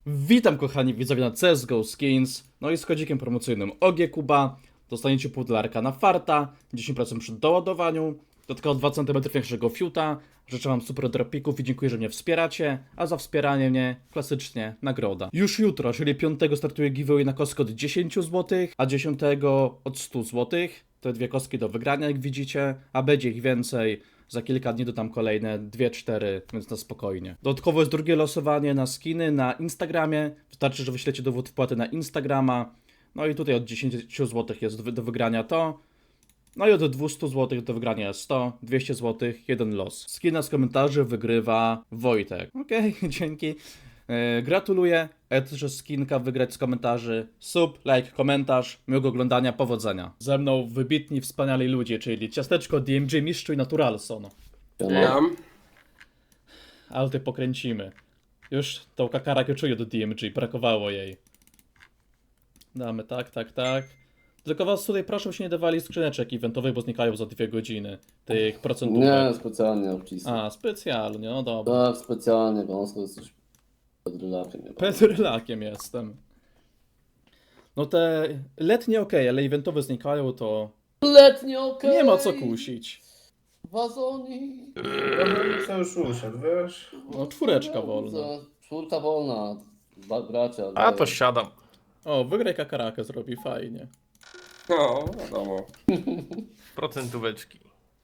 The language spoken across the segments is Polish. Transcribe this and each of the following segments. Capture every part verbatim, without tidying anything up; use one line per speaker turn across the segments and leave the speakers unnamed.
Witam kochani widzowie na C S G O Skins. No i z kodzikiem promocyjnym O G Kuba dostaniecie pół dolarka na farta, dziesięć procent przy doładowaniu, dodatkowo dwa centymetry większego fiuta. Życzę wam super dropików i dziękuję, że mnie wspieracie, a za wspieranie mnie klasycznie nagroda. Już jutro, czyli piątego startuje giveaway na kostkę od dziesięć złotych, a dziesiątego od stu złotych. Te dwie kostki do wygrania, jak widzicie, a będzie ich więcej. Za kilka dni dodam kolejne dwie cztery, więc na spokojnie. Dodatkowo jest drugie losowanie na skiny na Instagramie. Wystarczy, że wyślecie dowód wpłaty na Instagrama. No i tutaj od dziesięć złotych jest do, do wygrania to. No i od dwieście złotych do wygrania jest sto, dwieście złotych, jeden los. Skina z komentarzy wygrywa Wojtek. Okej, okay, dzięki. Yy, gratuluję. A ja też skinka wygrać z komentarzy. Sub, like, komentarz. Miłego oglądania, powodzenia. Ze mną wybitni, wspaniali ludzie, czyli Ciasteczko, D M G, Mistrzu i Naturalson.
Tam.
Ale ty pokręcimy. Już tą kakarakę czuję do D M G, brakowało jej. Damy tak, tak, tak. Tylko was tutaj proszę, się nie dawali skrzyneczek eventowych, bo znikają za dwie godziny. Tych procentówek.
Nie, specjalnie obcisnę.
A, specjalnie, no dobra.
Tak, specjalnie, bo on jesteś pedrylakiem.
Pedrylakiem jestem. No te letnie okej, ale eventowe znikają, to
Letnie okej!
nie ma co kusić.
Wazoni!
Co już usiadł, wiesz?
No czwóreczka wolna.
Czwórka wolna. Ba- bracia.
A
daj.
to siadam.
O, wygraj kakarakę zrobi, fajnie.
No, wiadomo. Procentóweczki.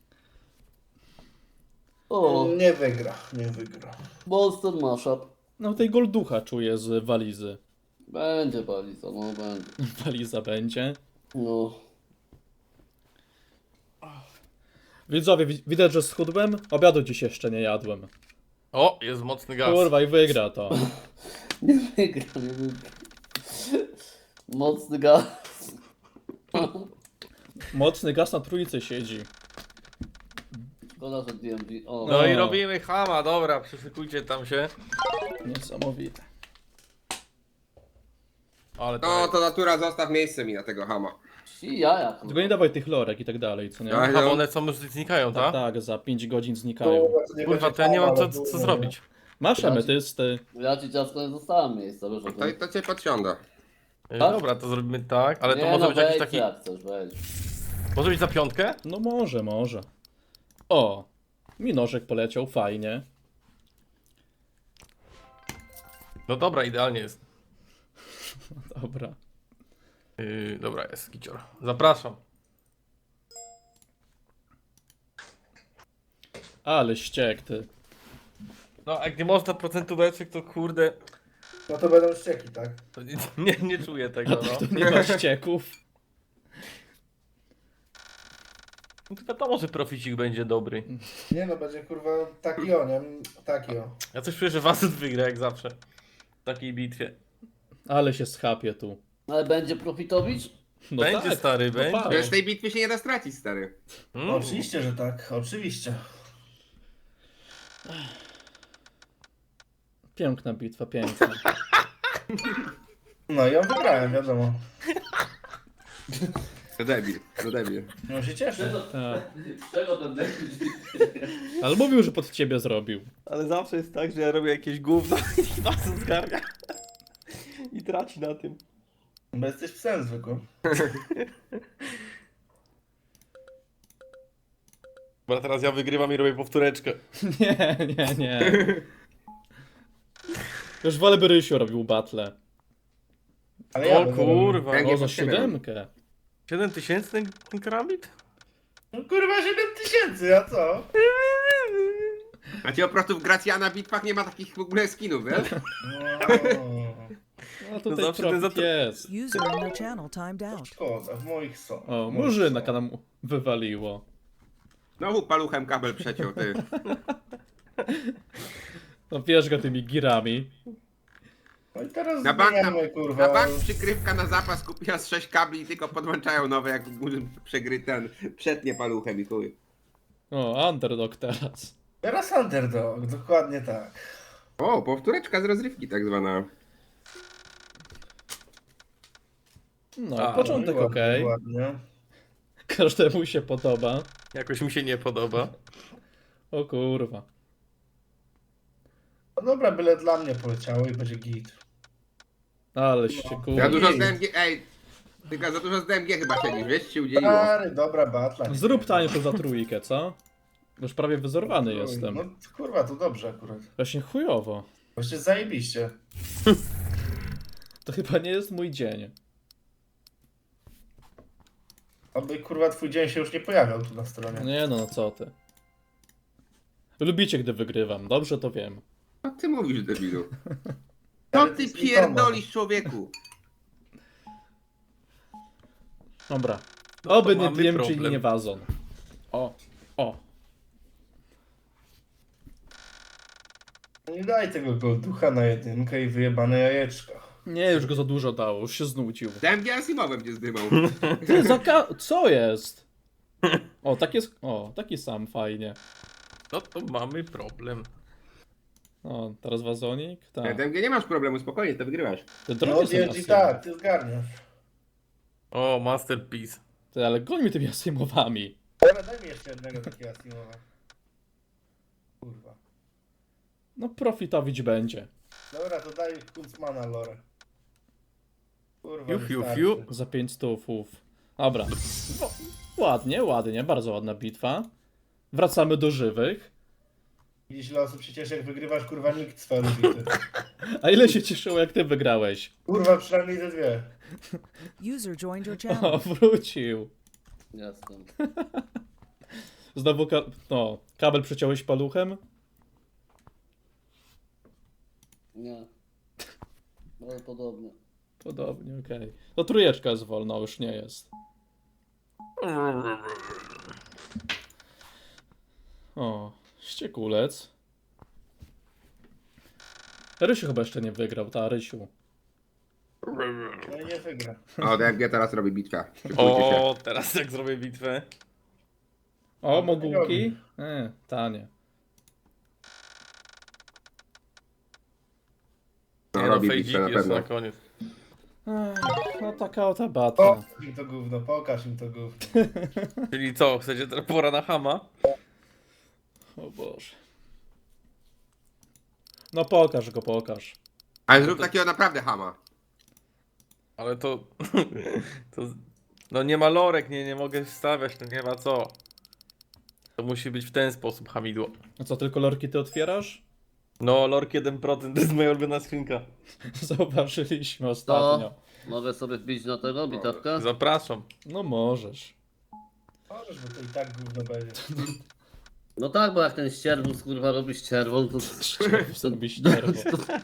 O,
Nie wygra, nie wygra.
Monster Mashup.
No tej golducha czuję z walizy.
Będzie baliza, no będzie.
Waliza będzie.
No.
Widzowie, wi- widać, że schudłem. Obiadu dziś jeszcze nie jadłem.
O, jest mocny gaz.
Kurwa i wygra to.
Nie wygra, nie wygra. Mocny gaz.
Mocny gaz na trójce siedzi.
Szkoda, że D M G. O,
No i
O.
robimy chama, dobra, przyszykujcie tam się.
Niesamowite.
Ale to,
No to natura, zostaw miejsce mi na tego hama.
ci jaja.
Tylko nie dawaj tych lorek i tak dalej, co nie?
Ja-
Aha, one są już znikają,
Tak,
tak?
tak, za pięć godzin znikają.
Kurwa, to ja nie mam co, co, co zrobić.
Masz emetysty.
Ja ci ciasko nie zostałem miejsca, wiesz o
To,
tym.
to cię podsiąda.
E,
Tak?
Dobra, to zrobimy tak, ale to
Nie,
może
no
być jakiś
wejdź
taki...
jak chcesz, wejdź.
Może być za piątkę?
No może, może. O, mi nożek poleciał, fajnie.
No dobra, idealnie jest.
Dobra.
Yy, dobra, jest kicior. Zapraszam.
Ale ściek ty.
No, jak nie można procentóweczek, to kurde...
No to będą ścieki, tak?
To nie, nie, nie czuję
A
tego, no.
tak to nie ma ścieków.
No to wiadomo, że proficik będzie dobry.
Nie no, będzie kurwa taki o, nie? Taki o.
Ja coś czuję, że Wasut wygra jak zawsze. W takiej bitwie.
Ale się schapie tu.
Ale będzie profitowicz?
No
Będzie,
tak,
stary,
no
będzie.
tak.
Wiesz, tej bitwy się nie da stracić, stary.
Mm.
Oczywiście, że tak, oczywiście.
Piękna bitwa, piękna.
No i ja wygrałem, wiadomo.
To debil, to debil.
No się cieszę.
Tak.
Czego ten deck?
Ale mówił, że pod ciebie zrobił.
Ale zawsze jest tak, że ja robię jakieś gówno i Wasut zgarnia. I traci na tym.
Bo jesteś psem zwykłym.
Bo teraz ja wygrywam i robię powtóreczkę.
Nie, nie, nie. Już wolę by Rysiu robił battle.
Ale ja
O
będę
kurwa.
Węgiel
O, za
pod siebie.
siódemkę.
siedem tysięcy ten, ten karabit?
No kurwa siedem tysięcy, a co?
A ci po prostu w Gracjana bitwach nie ma takich w ogóle skinów, wiesz?
No,
No tutaj
zawsze ten
profit
za to-
jest.
User in your channel timed out.
szkoda, w moich są.
O,
w moich
murzyna
są.
nam wywaliło.
Znowu paluchem kabel przeciął, ty.
No wiesz go tymi girami.
No i teraz
Na bank, na,
zmieniamy, kurwa.
na bank przykrywka na zapas kupiła z sześć kabli i tylko podłączają nowe, jak przegry ten, przetnie paluchem i chuj.
O, underdog teraz.
Teraz underdog, dokładnie tak.
O, powtóreczka z rozrywki tak zwana.
No,
A,
początek
Ładnie,
okej.
ładnie.
Każdemu się podoba.
Jakoś mi się nie podoba.
O kurwa.
No dobra, byle dla mnie poleciało i będzie git.
Ale się
Za
kurwa.
dużo z D M G, ej. Tylko za dużo z D M G chyba siedzisz, wiesz, ci się udzieliło.
Stary, dobra batla.
Zrób tańsze za trójkę, co? Już prawie wyzorowany jestem.
No kurwa, to dobrze akurat.
Właśnie chujowo.
Właśnie zajebiście.
To chyba nie jest mój dzień.
Aby kurwa twój dzień się już nie pojawiał tu na stronie.
Nie no, no co ty. Lubicie, gdy wygrywam, dobrze to wiem.
Co ty mówisz, debilu? Co
Ale
ty
jest
pierdolisz, człowieku?
Dobra.
No to
Oby nie
mamy
D M, czyli
problem.
nie wazon. O, o.
Nie daj tego golducha na jedynkę i wyjebane jajeczka.
Nie, już go za dużo dało, już się znudził.
D M G Asimowem cię zdymał.
Ty, zaka... Co jest? O, tak jest... O, taki sam, fajnie.
No to mamy problem.
O, teraz wazonik? Tak.
D M G nie masz problemu, spokojnie, to wygrywasz.
Ty
No
drogi są
D M G
Asimo.
tak, ty zgarniasz.
O, masterpiece.
Ty, ale goń mi tymi Asimowami.
Dobra, daj mi jeszcze jednego takiego Asimowa. Kurwa.
No profitowić będzie.
Dobra, to daj Kunzmana lore. Kurwa,
Fiu, fiu,
wystarczy.
fiu.
Za pięć stówów. Dobra. No, ładnie, ładnie, bardzo ładna bitwa. Wracamy do żywych.
Widzisz, ile osób się cieszy, jak wygrywasz, kurwa, nikt z faru bity.
A ile się cieszyło, jak ty wygrałeś?
Kurwa, przynajmniej te dwie.
User joined your channel.
O, wrócił.
Jestem.
Znowu ka... No, kabel przeciąłeś paluchem?
Nie. Ale podobnie.
Podobnie, okej. To trójeczka jest wolna, już nie jest. O, ściekulec. Rysiu chyba jeszcze nie wygrał, ta Rysiu.
No i nie wygra.
O, D M G teraz robi bitwę. Szykujcie się.
O, teraz jak zrobię bitwę.
O, mogułki? E, tanie.
No,
Nie no,
robi
fejdzik
bitwę na
jest
pewno.
na koniec.
Ech, no taka oto bata.
Pokaż im to gówno, pokaż im to gówno.
Czyli co, chcecie teraz pora na Hama?
O Boże. No pokaż go, pokaż.
Ale zrób takiego naprawdę hama.
Ale to... to... No nie ma lorek, nie, nie mogę wstawiać, to nie ma co. To musi być w ten sposób hamidło.
A co, tylko lorki ty otwierasz?
No, lork jeden procent to jest moja ulubiona skrzynka.
Zauważyliśmy ostatnio.
Mogę sobie wbić na tego bitewkę?
Zapraszam.
No możesz.
Możesz, bo to i tak gówno będzie.
No tak, bo jak ten ścierwus kurwa robi ścierwą, to...
Zrobi ścierwo.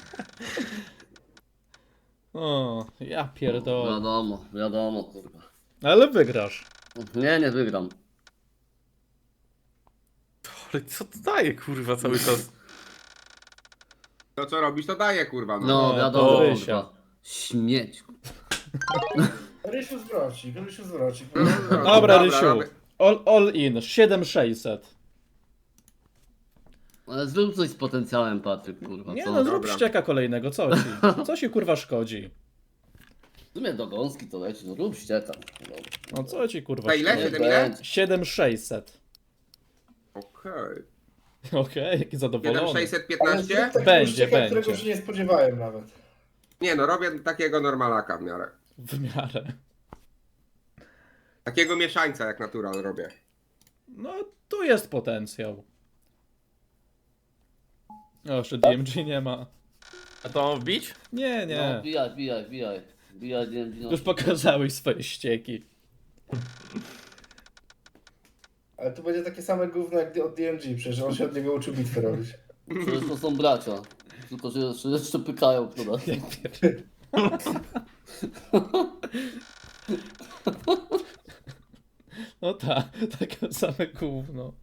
O, ja pierdolę.
Wiadomo, wiadomo kurwa.
Ale wygrasz.
Nie, nie wygram.
Ale co to daje, kurwa, cały czas?
To co robisz, to daje, kurwa. No.
No,
No,
wiadomo
to Rysia.
kurwa. Śmieć.
Rysiu zwrocik, Rysiu zwrocik.
Dobra, Rysiu.
robię.
All, all in. siedem tysięcy sześćset.
Ale zrób coś z potencjałem, Patryk, kurwa,
Nie
co?
no, zrób
Dobra.
ścieka kolejnego, co ci? Co ci kurwa szkodzi?
W sumie do gąski to leci, no rób ścieka. Dobra.
No co ci kurwa
To ile?
szkodzi?
Siedem ile?
będzie.
siedem tysięcy sześćset.
Okej.
Okej, jaki
siedem
zadowolony.
sześćset
Ale
piętnaście?
zrób takiego
Będzie,
ścieka,
będzie.
którego się nie spodziewałem nawet.
Nie no, robię takiego normalaka w miarę.
W miarę.
Takiego mieszańca jak natural robię.
No, tu jest potencjał. O, jeszcze D M G nie ma.
A to mam wbić?
Nie,
No,
nie.
wbijaj, wbijaj, wbijaj. Wbijaj, D M G, no.
Już pokazałeś swoje ścieki.
Ale tu będzie takie same gówno jak od D M G, przecież on się od niego uczył bitwy robić.
Przecież to są bracia. Tylko, że jeszcze, jeszcze pykają w nas.
No tak, takie same gówno.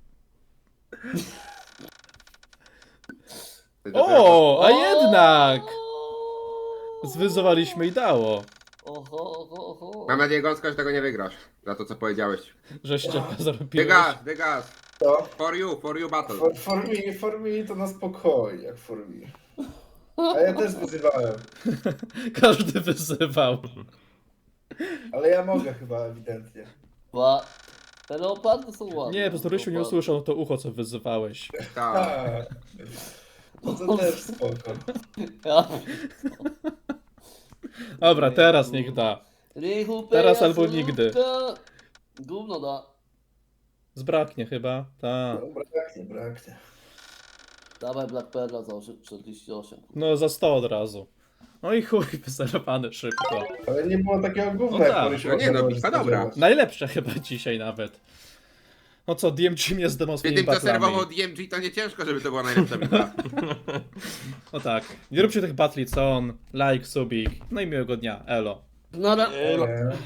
O, a jednak! Zwyzowaliśmy i dało.
Oho, oho, oho.
Mam nadzieję, Gąska, że tego nie wygrasz. Za to, co powiedziałeś.
Że ścieka zrobiłeś.
Degas, degas.
To?
For you, for you battle.
For, for me, for me to na spokojnie, jak for me. A ja też wyzywałem.
Każdy wyzywał.
Ale ja mogę chyba ewidentnie.
Ba. Te leopardy są ładne.
Nie, po prostu Rysiu nie
Leopardy.
usłyszał to ucho, co wyzywałeś.
Tak.
A, no to też spoko.
Ja...
Dobra, teraz niech da.
Rychu,
Teraz
peja,
albo
solutka.
nigdy.
Gówno da.
Zbraknie chyba, tak.
No, braknie, braknie.
Dawaj Black Perla za osie- czterdzieści osiem.
No za sto od razu. No i chuj, wyzerowany szybko.
Ale nie było takiego gówna,
No
jak
tak.
Marysiu
No nie, no,
mogła
bitwa
spodziewać.
dobra.
Najlepsze chyba dzisiaj nawet. No co, D M G mnie zdemą
Przy
swoimi
tym, co
batlami.
serwował D M G, to nie ciężko, żeby to była najlepsza bitwa.
No tak, nie róbcie tych batli co on, like, subik, no i miłego dnia, elo.
No ale...
Nie.